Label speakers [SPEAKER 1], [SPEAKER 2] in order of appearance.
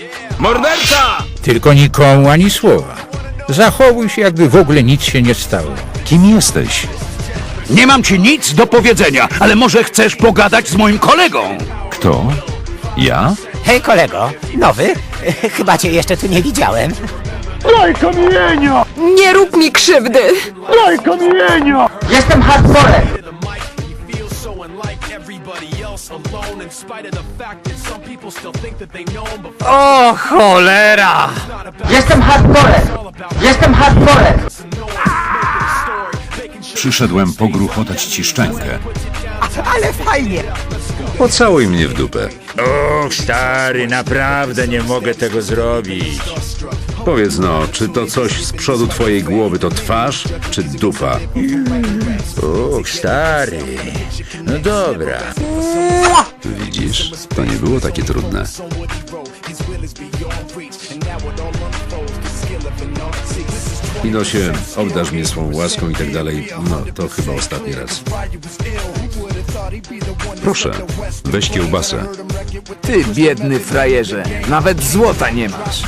[SPEAKER 1] Morderca!
[SPEAKER 2] Tylko nikomu ani słowa. Zachowuj się, jakby w ogóle nic się nie stało.
[SPEAKER 3] Kim jesteś?
[SPEAKER 1] Nie mam ci nic do powiedzenia, ale może chcesz pogadać z moim kolegą?
[SPEAKER 3] Kto? Ja?
[SPEAKER 4] Hej kolego, nowy? Chyba cię jeszcze tu nie widziałem.
[SPEAKER 1] Daj kamienia!
[SPEAKER 5] Nie rób mi krzywdy!
[SPEAKER 1] Daj kamienia!
[SPEAKER 4] Jestem hardcorem.
[SPEAKER 1] O cholera!
[SPEAKER 4] Jestem hardcorem. Jestem hardcorem.
[SPEAKER 3] Przyszedłem pogruchotać ci szczękę.
[SPEAKER 4] Ale fajnie.
[SPEAKER 3] Pocałuj mnie w dupę.
[SPEAKER 2] Och, stary, naprawdę nie mogę tego zrobić.
[SPEAKER 3] Powiedz no, czy to coś z przodu twojej głowy to twarz, czy dupa?
[SPEAKER 2] Och, stary. No dobra.
[SPEAKER 3] Widzisz, to nie było takie trudne. Inosie, obdarz mnie swą łaską i tak dalej. No, to chyba ostatni raz. Proszę, weź kiełbasę.
[SPEAKER 1] Ty biedny frajerze, nawet złota nie masz.